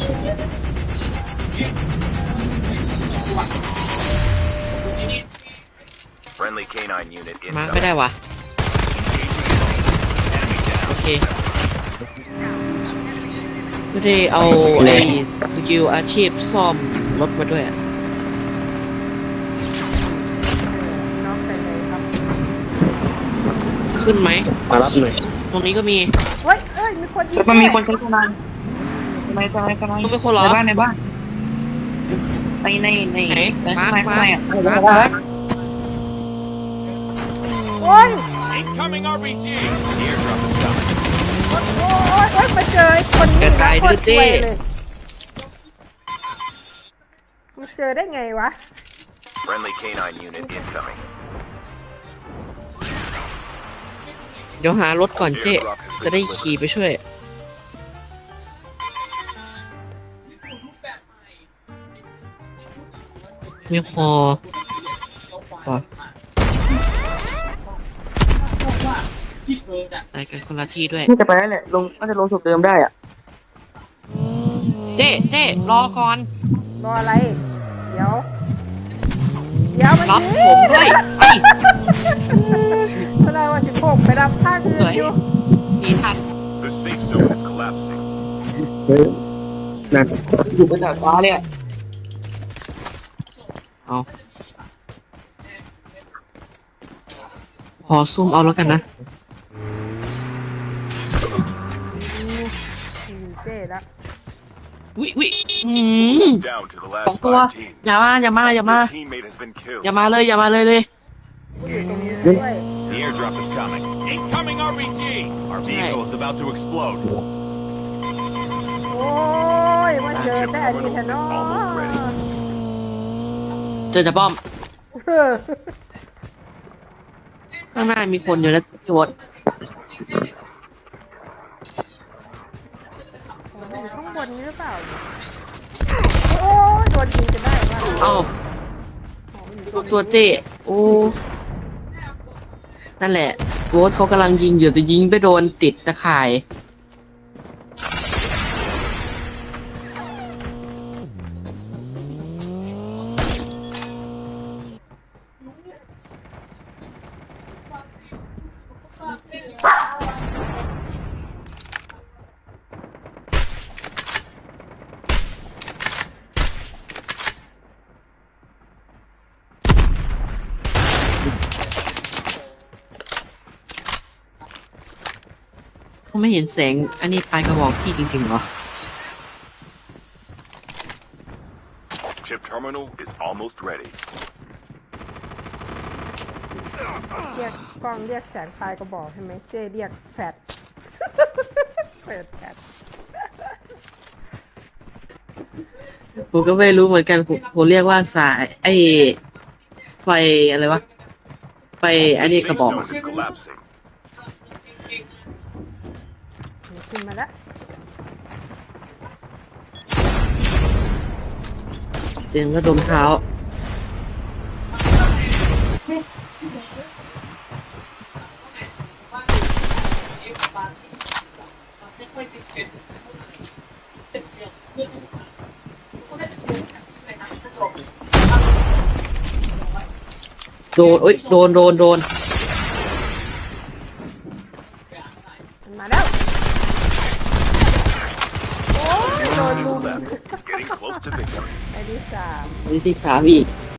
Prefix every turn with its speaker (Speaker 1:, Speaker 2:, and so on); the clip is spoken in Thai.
Speaker 1: Friendly canine unit
Speaker 2: มาไม่ได้วะโอเคไม่ได้เอาไอ้สกิลอาชีพซ่อมรถมาด้วยอะ
Speaker 3: น้องไปเลยครับ
Speaker 2: ขึ้นไหม
Speaker 4: มารับหน่อย
Speaker 2: ตรงนี้ก็มี
Speaker 3: เฮ้ยเอ้ยมีคนยิง
Speaker 4: มันมีคนใช้สไนด์สไนด์
Speaker 2: ต้องเป็นคนเหรอ
Speaker 4: ในบ้านในบ้านใน
Speaker 2: ไหน
Speaker 4: ข้างในข้างในอ่ะ
Speaker 2: มา
Speaker 3: โอ้ย
Speaker 1: Incoming RPG. Airdrop is coming.
Speaker 3: โอ้ยมาเจอไอ้คนนี้
Speaker 2: จะตายด้วยเจ้
Speaker 3: มาเจอได้ไงวะ
Speaker 1: Friendly canine unit incoming.
Speaker 2: เดี๋ยวหารถก่อนเจ๊จะได้ขี่ไปช่วยมีฮอว่ะไปกันคนละที่ด้วย
Speaker 4: น่าจะไปแล้วแหละน่าจะลงสุดเดิมได้อ่ะ
Speaker 2: เจ๊รอก่อน
Speaker 3: รออะไร เดี๋ยวมัน
Speaker 2: รับ
Speaker 3: ยิง
Speaker 2: ผมด้วยไป
Speaker 3: แสดงว่า16ไปรับข้างอื่
Speaker 2: ส
Speaker 3: น
Speaker 2: วย
Speaker 3: อยู่
Speaker 2: หนีทัน
Speaker 1: The safe zone is collapsing.
Speaker 4: นั่นอยู่บนดาดฟ้าเลยอ่ะ
Speaker 2: เอาพอซุ่มเอาแล้วกันนะ
Speaker 3: เจ๊ละ
Speaker 2: วิ
Speaker 1: Down to the
Speaker 2: สอง
Speaker 1: last
Speaker 2: ตัว
Speaker 1: 5 teams.
Speaker 2: อย่ามา
Speaker 1: Your teammate has been killed.
Speaker 2: อย่ามาเลย
Speaker 3: กูอยู่ตรงนี้ด้วย
Speaker 1: The airdrop is coming. Incoming RPG. Our vehicle is about to explode.
Speaker 3: โอ้ยมาเจอแต่อันนี้แทนเนาะ
Speaker 2: เจอจะป้อม ข้างหน้ามีคนอยู่แล้วพี่วด
Speaker 3: อยู่ข้างบนนี้หรือเปล่าเนี่ยโอ้ยโดนยิงจะได้ว่า
Speaker 2: เอ้าตัวเจ๊โอ้นั่นแหละโวดเขากำลังยิงอยู่แต่ยิงไปโดนติดตะข่ายเขาไม่เห็นแสงอันนี้ปลายกระบอกพี่จริงๆเหรอ
Speaker 1: Chip terminal is almost ready.
Speaker 3: เรียกกล้องเรียกแสงไฟก็บอกใช่ไหมเจ๊เรียกแฟดเปิดแฟด
Speaker 2: ผมก็ไม่รู้เหมือนกันผมเรียกว่าสายไอ้ไฟอะไรวะไฟอันนี้
Speaker 1: Safe
Speaker 2: กระบอก
Speaker 1: zone is collapsing.
Speaker 3: ขึ้นมาแล้ว
Speaker 2: เสียงระดมเท้าโดนโอ๊ยโดน
Speaker 3: มันมาแล้วโอ้ยโดนลุม
Speaker 1: Left. Getting close to victory.
Speaker 3: ไอ้ที่สาม
Speaker 2: นี่ที่สามอีก